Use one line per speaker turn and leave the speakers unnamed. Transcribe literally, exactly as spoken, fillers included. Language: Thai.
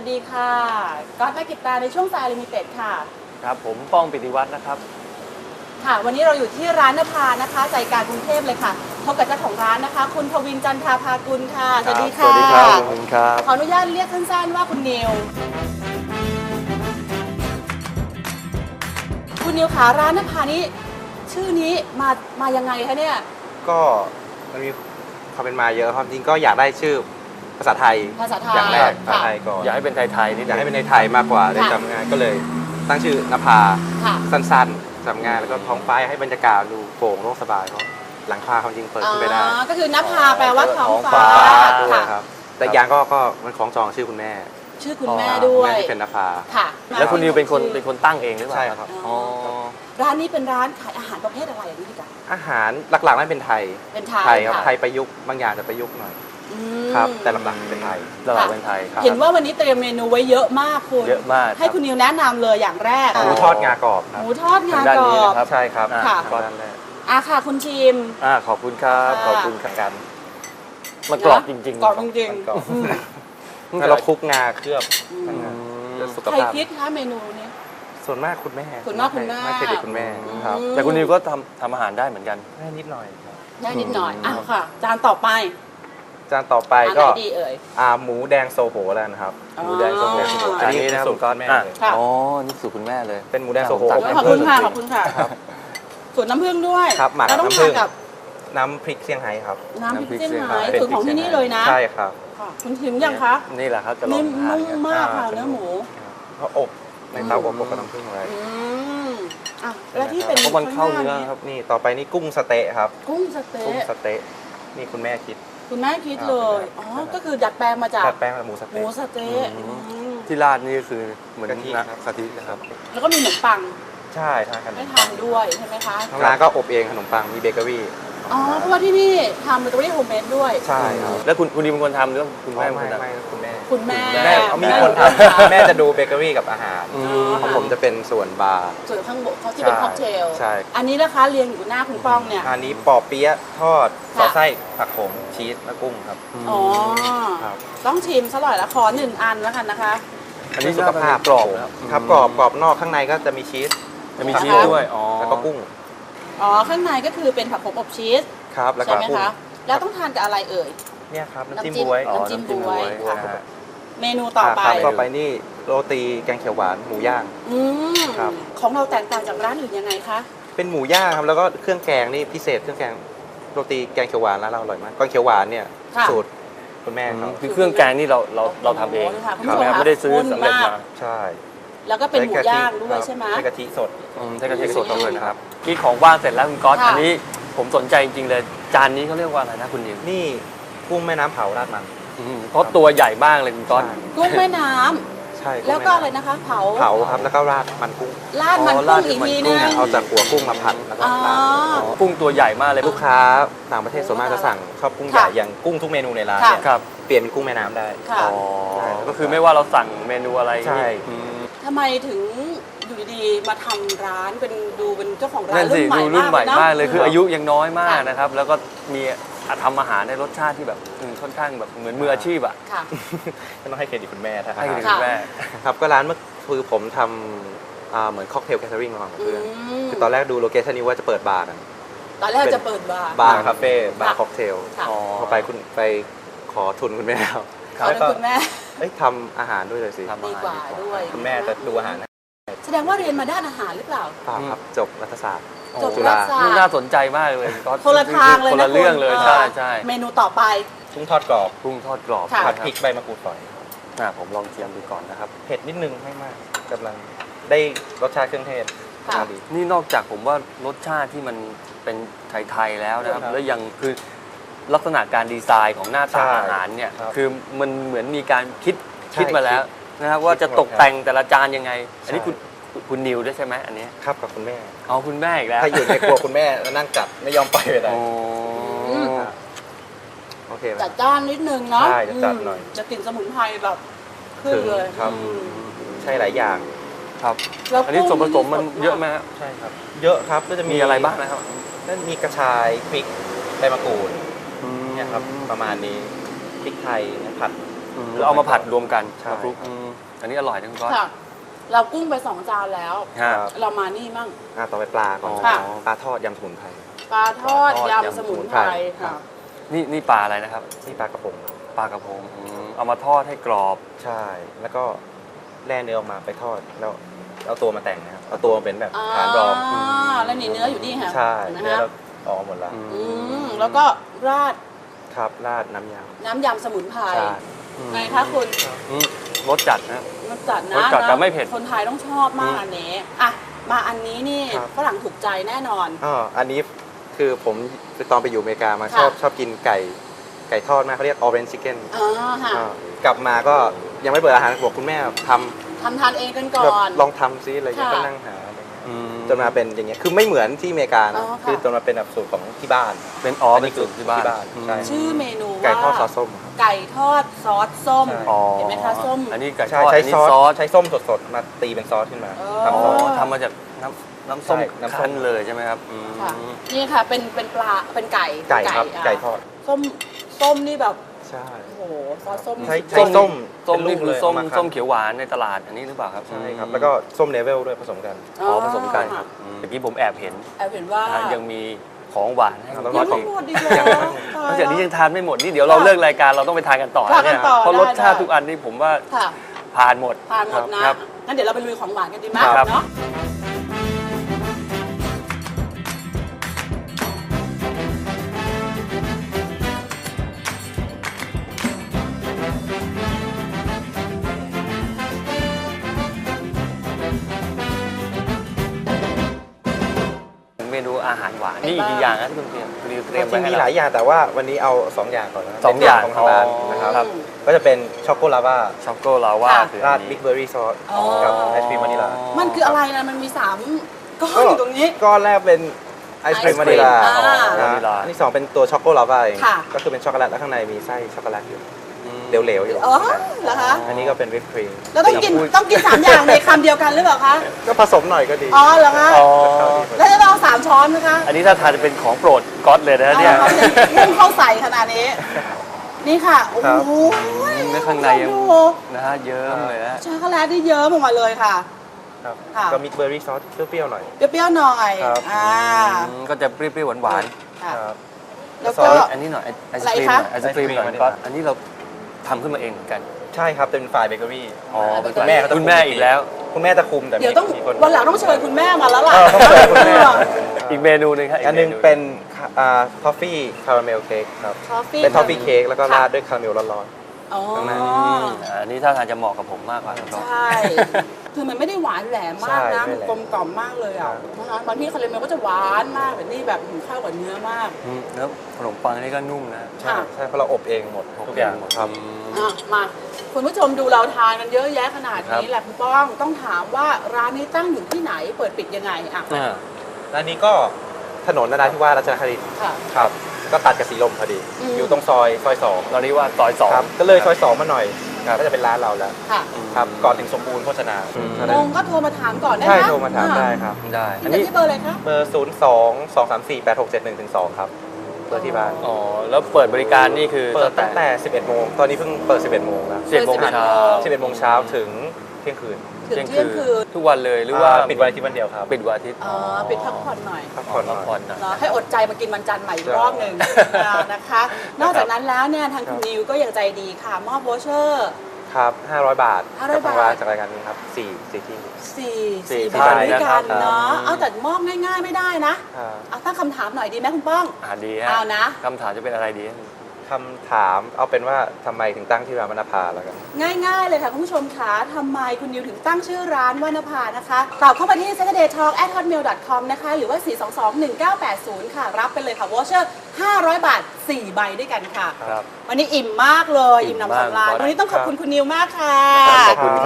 ดีค่ะก๊อตนักกิจตาในช่วงสายลิมิเต็ดค่ะ
ครับผมป้องปิติวัฒน์นะครับ
ค่ะวันนี้เราอยู่ที่ร้านนภานะคะใจกลางกรุงเทพเลยค่ะพบกับเจ้าของร้านนะคะคุณทวินจันทราภากุลค่ะสวัสดีค่ะ
สวัสดีครับขอบคุณครับ
ขออนุญาตเรียกสั้นๆว่าคุณนิวคุณนิวขาร้านนภานี้ชื่อนี้มามายังไงคะเนี่ย
ก็มันมีความเป็นมาเยอะครับจริงก็อยากได้ชื่อภาษาไทย
ภาษาไทย
อย่างแรกภาษาไทยก่อน
อยากให้เป็นไทยๆนิด
อยากให้เป็นในไทยมากกว่าได้จำง่ายก็เลยตั้งชื่อนภาสั้นๆจำง่ายแล้วก็ท้องฟ้าให้บรรยากาศดูโปร่งโล่งสบายเพราะหลังคาความจริงเปิดขึ้นไปได้
ก็คือนภาแปลว่าท้องฟ้า
ด้วยครับแต่อย่างก็ก็มันคล้องจองชื่อคุณแม่
ชื่อคุณแม่ด้วย
ที่เป็นนภา
ค่ะ
แล้วคุณนิวเป็นคนเป็นคนตั้งเองหรือเปล่า
ใช่ครับ
อ๋อ
ร้านนี้เป็นร้านขายอาหารประเภทอะไรอย่างนี้ดีกว่า
อาหารหลักๆนั่นเป็นไทย
เป็น
ไทยครับไทยประยุกต์บางอย่างจะประยุกต์หน่อยครับแต่หลักๆเป็นไทย
หลักๆเป็นไทย
เห็นว่าวันนี้เตรียมเมนูไว้เยอะมากคุณ
เยอะมาก
ให้คุณนิวแนะนำเลยอย่างแรก
หมูทอดงากรอบ
หมูทอดงากรอบ
ใช่ครับ
ค่ะ
ด้านแรก
อ่ะค่ะคุณชิม
อ่าขอบคุณครับขอบคุณกันมันกรอบจริงๆ
กรอบจริง
ๆแล้วเราคลุกงาเคลือบ
ใครคิดคะเมนูนี้
ส่วนมากคุณแม่
ส่วนมากคุณแม่
ไม่เคยเด็กคุณแม่ครับ
แต่คุณนิวก็ทำทำอาหารได้เหมือนกัน
ได้นิดหน่อย
ได้นิดหน่อยอ่ะค่ะจานต่อไป
จานต่อไปก็
ดีเอ่ย
อ่าหมูแดงโซโหแล้วนะครับ
หมูแดงโซโห
อันนี้นะสูตรคุณแม่เลย
อ๋อนี่สูตรคุณแม่เลย
เป็นหมูแดงโซโห
ขอบคุณค่ะขอบคุณค่ะสูตรน้ำผึ้งด้วย
ครับหมัก
น้ำผึ้งกับ
น้ำพริกเซี่ยงไฮ้ครับ
น้ำพริกเซี่ยงไฮ้สูตรของที่นี่เลยนะ
ใช่ครับ
คุณชิมยังคะ
นี่แหละครับจะลองทาน
นุ่มมากค่ะเนื้อหมู
เขาอบในเตาอบกับน้ำผึ้งอะไร
อ่ะแล้วที่เป็น
มันเข้าเนื้อครับ
นี่ต่อไปนี่กุ้งสเต๊ะครับ
กุ้งสเต๊ะ
กุ้งสเต๊ะนี่คุณแม่คิด
คุณแม่คิดเลยอ๋อก็คือดัดแปลงมาจาก
ดัดแปลงหมูสเต๊ะ
หมูสเต๊ะ
ที่ราดนี่คือเหมือนกะทิ
กะทินะครับ
แล้วก็มีขนมปัง
ใช่ทานกัน
ให้ทานด้วยใช่ไหมคะ
ทางร้านก็อบเองขนมปังมีเบเกอรี่
อ๋อเพราะว่าที่นี่ทำเบเกอรี่โฮมเมดด้วย
ใช่ครับ
แล้วคุณคุณดีเป็นคนทำหรือคุณแม่
ไม่ไม่คุณแม่
คุณแม่
แม่เขามีคนทำแม่จะดูเบเกอรี่กับอาหารของผมจะเป็นส่วนบาร์
ส่วนข้างบนเขาที่เป็นค็อกเทล
ใช่
อันนี้นะคะเรียงอยู่หน้าคุณป้องเนี่ย
อันนี้ปอเปี๊ยะทอดซอสไส้ผักโขมชีสและกุ้งครับ
อ๋อต้องชิมซะหน่อยละขอหนึ่งอันแล้วกันนะคะ
อันนี้สุขภาพกรอบครับกรอบกรอบนอกข้างในก็จะมีชีส
จะมีชีสด้วยอ๋อ
แล้วก็กุ้ง
อ๋อข้างในก็คือเป็นผักโขมอบชีส
ครับแล้วก็
ใช่ไหมคะแล้วต้องทานกับอะไรเอ่ย
เนี่ยครับน้ำจิ้มบ๊วย
น้ำจิ้มบ๊วยค่ะเมนูต่อไป
ต่อไปนี่โรตีแกงเขียวหวานหมูย่าง
อืมครับของเราแตกต่างจากร้านอื่นยังไงคะ
เป็นหมูย่างครับแล้วก็เครื่องแกงนี่พิเศษเครื่องแกงโรตีแกงเขียวหวานร้านเราอร่อยมากแกงเขียวหวานเนี่ยสูตรคุณแม่เขา
คือเครื่องแกงนี่เราเราเราทำเองไม่ได้ซื้อสำเร็จมา
ใช่แล้วก็เป็นหมูย่างด้วยใช่ไหม
ใช้กะทิสด
ใช้กะทิสดด้วยนะครับกินของว่างเสร็จแล้วคุณก๊อตอันนี้ผมสนใจจริงๆเลยจานนี้เขาเรียกว่าอะไรนะคุณนิว
นี่กุ้งแม่น้ำเผาราดมัน
เพราะตัวใหญ่มากเลยคุณก๊อต
กุ้งแม่น้ำใช่แล้วก็อะไรนะคะเผา
เผาครับแล้วก็ราดมันกุ้ง
ราดมันกุ้งอีกทีนึง
เอาจากหัวกุ้งมาผัดแล้วก็ราด
กุ้งตัวใหญ่มากเลย
ลูกค้าต่างประเทศส่วนมากจะสั่งชอบกุ้งใหญ่อย่างกุ้งทุกเมนูในร้านเนี่ยเปลี่ยนเป็นกุ้งแม่น้ำได้
อ๋อก็คือไม่ว่าเราสั่งเมนูอะไร
ใช่
ทำไมถึงอยู่ดีๆมาทำร้านเป็นดูเป็นเจ้าของร้านรุ่นใหม่
รุ่นใหม่มากเลยคืออายุยังน้อยมากนะครับแล้วก็มีทำอาหารในรสชาติที่แบบค่อนข้างแบบเหมือนมืออาชีพอ่ะ
ก็ต้องให้เครดิตคุณแม่ท่าน
ให้เครดิตคุณแม่
ครับก็ร้านเมื่อคือผมทำเหมือนค็อกเทลแคทเทอริงมากับเพื่อนคือตอนแรกดูโลเคชั่นนี้ว่าจะเปิดบาร์กัน
ตอนแรกจะเปิดบาร์
บาร์คาเฟ่บาร์ค็อกเทลพอไปคุณไปขอทุนคุณแม่แล้ว
แล้วก็คุณแม่
ทำอาหารด้วยเลยสิ
ดีกว่าด้วย
คุณแม่จะดูอาหาร
แสดงว่าเรียนมาด้านอาหารหรือเปล่า
เปล่าครับจบรัฐศาสตร์
จบรัฐศาสตร์
น่าสนใจมากเลย
คนละทางเลย
คนละเรื่องเลยใช่ใช่
เมนูต่อไป
กุ้งทอดกรอบ
กุ้งทอดกรอบ
ผัดพริกใบมะกรูดฝอย
ผมลองเทียมดูก่อนนะครับ
เผ็ดนิดนึงไม่มากกำลังได้รสชาติเครื่องเทศ
นี่นอกจากผมว่ารสชาติที่มันเป็นไทยๆแล้วนะครับแล้วยังคือลักษณะการดีไซน์ของหน้าตาอาหารเนี่ยคือมันเหมือนมีการคิดคิดมาแล้วนะครับว่าจะตกแต่งแต่ละจานยังไงอันนี้คุณคุณนิวด้วยใช่ไหมอันนี้
ครับกับคุณแม่
เอาคุณแม่อีกแล้ว
ถ้าอยู่ในครัวคุณแม่แล้วนั่งจัดไม่ยอมไปเลยโอเค
จัดจ้านนิดนึงเนาะ
ใช่จัดหน่อย
จะกลิ่นสมุนไพรแบบขึ้นเลย
ครับใช่หลายอย่าง
ครับอันนี้ส่วนผสมมันเยอะไหมครับ
ใช่ครับเยอะครับก็จะ
มีอะไรบ้างนะครับ
นั่นมีกระชายพริกใบมะกรูดเนี่ยครับประมาณนี้พริกไทยผัด
อืมแล้วเอามาผัดรวมกัน
ใช่
มาคลุกอืมอันนี้อร่อยนะคุณก๊อต
ค่ะ เรากุ้งไปสองจานแล้ว
ฮะ
เรามานี่มั่ง
อ่ะต่อไปปลาก่อน
ค่ะ
ปลาทอดยำสมุนไพร
ปลาทอด
ปลาทอด
ยำ
ยำ
สมุนไพร
ครั
ค่ะ
บ
นี่นี่ปลาอะไรนะครับ
นี่ปลากระพง
ปลากระพงอืมเอามาทอดให้กรอบ
ใช่ แล้วก็แล่เนื้อออกมาไปทอดแล้วเอาตัวมาแต่งนะครับเอาตัวมาเป็นแบบฐานรอง
อ่าแล้วนี่เนื้ออยู่นี่ค่ะ
ใช่
เห็นไหม
เนื้อ
คะ
เราออกหมดแล้ว
อื
อืมแล้วก็ราด
ครับราดน้ำย
น้ำยำสมุนไพร
ำใช่
ไงคะคุณ
อืมรสจัดนะ
รสจัดนะ
รสจัดแต่
นะ
ไม่เผ็ด
คนไทยต้องชอบมาก
อืม
อันนี้อ่ะมาอันนี้นี่ฝรั่งถูกใจแน่นอน
อ๋ออันนี้คือผมตอนไปอยู่อเมริกามา
ค่ะ
ชอบชอบกินไก่ไก่ทอดมากเขาเรียก orange chicken
อ่าค่ะ
อ่ากลับมาก็ยังไม่เปิดอาหารบอกคุณแม่ทำ
ทำทานเองกันก่
แบบ
อน
ลองทำซิอะไรเงี้ย
ค่ะ
ก็นั่งหาอะไรเงี้ย
อืม
จนมาเป็นอย่างเงี้ยคือไม่เหมือนที่อเมริกา
อ๋
นะ
อค่ะ
คือจนมาเป็นแบบสูตรของที่บ้าน
เป็นอ๋อ
อัน
เป็
นี้
นสูตรที่บ้าน
ที่บ้าน
อืม
ใช่
ชื่อเมนูว่า
ไก่ทอดซอสส้มครับ
ไก่ทอดซอสส้ม
ใช่
อ๋อ
เห็นไหมคะส้ม
อันนี้ไก่ท
ใช่
อด
ใช้
อันนี้
ซอส
ซอส
ใช้ส้มสดๆมาตีเป็นซอสขึ้นมา
เออ
ทำ
อ๋
ซ
อ
อส
ทำมาจากน้ำน้ำส้ม
ใช่น้ำส้ม
คั้นเลยใช่ไหมครับอืม
ค่ะนี่ค่ะเป็นเป็นปลาเป็นไก่
ไก่ครับ
ะ
ไก่ทอด
ส้มส้มนี่แบบ
ใช่
โอ้โหซอสส้ม
ใช้
สุด
ใช้
ยอด
ส้ม
ส้ม
เป็นลู
นี่
ก
คือ
เลย
ส้ม
เอามาคั้น
ส้มเขียวหวานในตลาดอันนี้หรือเปล่าครับ
ใช่ครับ
อืม
แล้วก็ส้มเลเวลด้วยผสมกัน
อ๋อผสมกัน
ค่ะ
อืมเมื่อกี้ผมแอบเห็น
แอบเห็นว่า
นะฮะยังมีของหวานให้
ครับ
คุณ
ยั
ก๊อง ต
ไม่
อีก
หมดอีกเหรอ
นอกจากนี้ยังทานไม่หมดนี่เดี๋ยวเราเลิกรายการเราต้องไปทานกันต่อ
ทานกัน
เนี่ย
ต่อ
เพราะ
ได้
รสชาติ
ได้
ทุกอันนี่ผมว่า
ค่ะ
ผ่านหมด
ทานหมดนะครับ งั้นเดี๋ยวเราไปลุยของหวานกันดีไหม
ครับ
เนาะ
เมนูอาหารหวานนี่อีกกี่อย่างนะที่คุณเตรียมคุณนิวเตรียม
จ
ไว้
ริงๆ
ให้
มีห
เรา
ลายอย่างแต่ว่าวันนี้เอาสองอย่างก่อนนะ
สองอย่าง
เป็นของทางร้านนะครับ
ครับ
ก็จะเป็นช็อกโกลาวา
ช็อกโกลาวา
ค่ะ
คือ
รา
อั
ด
น
บิ๊
นี้
กเบอร์รี่ซอส
อ๋อ
กับไอศครีมวานิลา
มันคืออะไรนะ มันมีสามก้อนอยู่ตรงนี้
ก้อนแรกเป็นไอศครีมวานิลา
อ่า
นะ
วานิลา
อันที่สองเป็นตัวช็อกโกลาวาเอง
ค่ะ
ก็คือเป็นช็อกโกแลตแล้วข้างในมีไส้ช็อกโกแลตอยู่
อืม
เหลวๆอยู่
อ๋อเหรอคะ
อันนี้ก็เป็นวิปครีม
เราต้องกินต้องกินสามอย่างในคำเดียวกันหรือเปล่าคะ
ก็ผสมหน่อยก็ดี
อ๋อเหรอคะ
อ๋อ
แล้วจะเอาสามช้อนนะคะ
อันนี้ถ้าทานจะเป็นของโปรดก๊อตเลยนะ
เอา
เนี่ย
ละครับพุ่งเข้าใส่ขนาดนี้ นี่ค่ะ โอ้
ครับ
โห
เนื้อข้างในยัง
ดู
นะฮะเยิ้มเลยนะ
ช็อกโกแลตที่เยิ้มออกมาเลยค่ะ
ครับ
ค่ะ
ก็มิกเบอร์รี่ซอสเปรี้ยวๆหน่อย
เปรี้ยวๆหน่อย
ครับ
อ่า
อืมก็จะเปรี้ยวๆหวาน
ค่ะ
ครับ
แล้ว
ซ
ก็
อส
ๆอันนี้หน่อยไอศ
อะไร
ครีม
คะ
หน่อยไอศครีมหน่อย
ไอศกรีม
ก๊อตอันนี้เราทำขึ้นมาเองเหมือนกัน
ใช่ครับเป็นฝ่ายเบเกอรี่
อ๋อ
เป็น
คุณแม่เขาจะ
คุณแม่อีกแล้ว
คุณแม่จะคุมแต่มี
เดี๋ยวต้อง
มีคน
วันหลังต้องเชิญคุณแม่มาแล้วล่ะ
เออต้องเชิญคุณแม่
อีกเมนูหนึงครับ
อันหนึงเป็นอ่าทอฟฟี่คาราเมลเค้กครับ
ทอฟฟี่
เป็นทอฟฟี่เค้กแล้วก็ราดด้วยคาราเมลร้อน
อ๋อ
ข้างใน
อืมอันนี้ถ้าทางจะเหมาะกับผมมากกว่าครับ
ใช่ คือมันไม่ได้หวานแหลมมากนะ
ใช่ไม่
มัน
แหลม
กลมกล่อมมากเลยอ่ะนะคะบางที่คาราเมลก็จะหวานมากแต่นี่แบบหืมเข้ากับเนื้อมาก
อืมแล้วขนมปังนี่ก็นุ่มนะ
ๆใช่ใช่เพราะเราอบเองหมดทุกอย่าง
หมด
ครับ
อ่ะมาคุณผู้ชมดูเราทานกันเยอะแยะขนาด
ครับ
นี้แหละคุณป้องต้องถามว่าร้านนี้ตั้งอยู่ที่ไหนเปิดปิดยังไงอ่ะ
อ่า
ร้านนี้ก็ถนนนราธิวาสรัชดาครินทร์
ค่ะ
ครับก็ตัดกับสีลมพอดี
อืม
อยู่ตรงซอยซอยสอง
ตอนนี้ว่าซอยสอง
ครับก็เลยซอยสองมาหน่อยก็จะเป็นร้านเราแล้ว
ค่ะ
ครับก่อนถึงสมบูรณ์โภชนา
อืม
เท่า
ล
นั้น
งก็โทรมาถามก่อนได้ไหม
ใช่โทรมาถามได้ครับ
ได้
อั
อั
น
น
นี้
นี้
ที่เบอร์อะไรคะ
เบอร์ศูนย์สองสองสามสี่แปดหกเจ็ดหนึ่งถึงสองครับเบอร์ที่บ้าน
อ๋อแล้วเปิดบริการนี่คือ
เปิดตั้งแต่ สิบเอ็ดโมงตอนนี้เพิ่งเปิด สิบเอ็ดโมงแล้ว
สิบเอ็ดโมงเช้า
สิบเอ็ดโมงเช้าถึงเที่ยงคืน
ถึงเที่ยงคืน
ทุกวันเลยหรือว่า
ปิดวันอาทิตย์วันเดียวครับ
ปิดวันอาทิตย์
อ๋อปิดพักผ่อนหน่อย
พักผ่อนห
พั
น่
ก
อย
ผ่อนหน่อย
เนาะให้อดใจมากินวันจันทร์ใหม่อีกรอบหนึ่งนะคะ นอกจากนั้นแล้วเนี่ยทางคุณนิวก็ยังใจดีค่ะ มอบโวเชอร์
ครับห้าร้อยบาท
ห้าร้อย
กับทางร้าน
บาท
จากรายการนี้ครับสี่สี่ที่
สี่
สี่
สี่
ที่
บาท
ไป
ด้วย
นะค
กั
รั
น
บ
เนาะ
อืม
เอาแต่มอบง่ายๆไม่ได้นะ
อ่า
เอาตั้งคำถามหน่อยดีไหมคุณป้อง
อ่าดีฮะ
เอานะ
คำถามจะเป็นอะไรดี
คำถามเอาเป็นว่าทำไมถึงตั้งที่ร้านวรรณภาแล้วกัน
ง่ายๆเลยค่ะคุณผู้ชมคะทำไมคุณนิวถึงตั้งชื่อร้านวรรณภานะคะตอบเข้ามาที่ saturday talk at hotmail dot com นะคะหรือว่า สี่ สอง สอง หนึ่ง เก้า แปด ศูนย์ ค่ะ รับไปเลยค่ะวอเชอร์ห้าร้อยบาทสี่ใบด้วยกันค่ะ
ครับ
วันนี้อิ่มมากเลย
อิ่
อิ่ม
ม
หนำสำราญ
มาก
วันนี้ต้องขอบคุณคุณนิวมากค่ะ
ขอบคุณ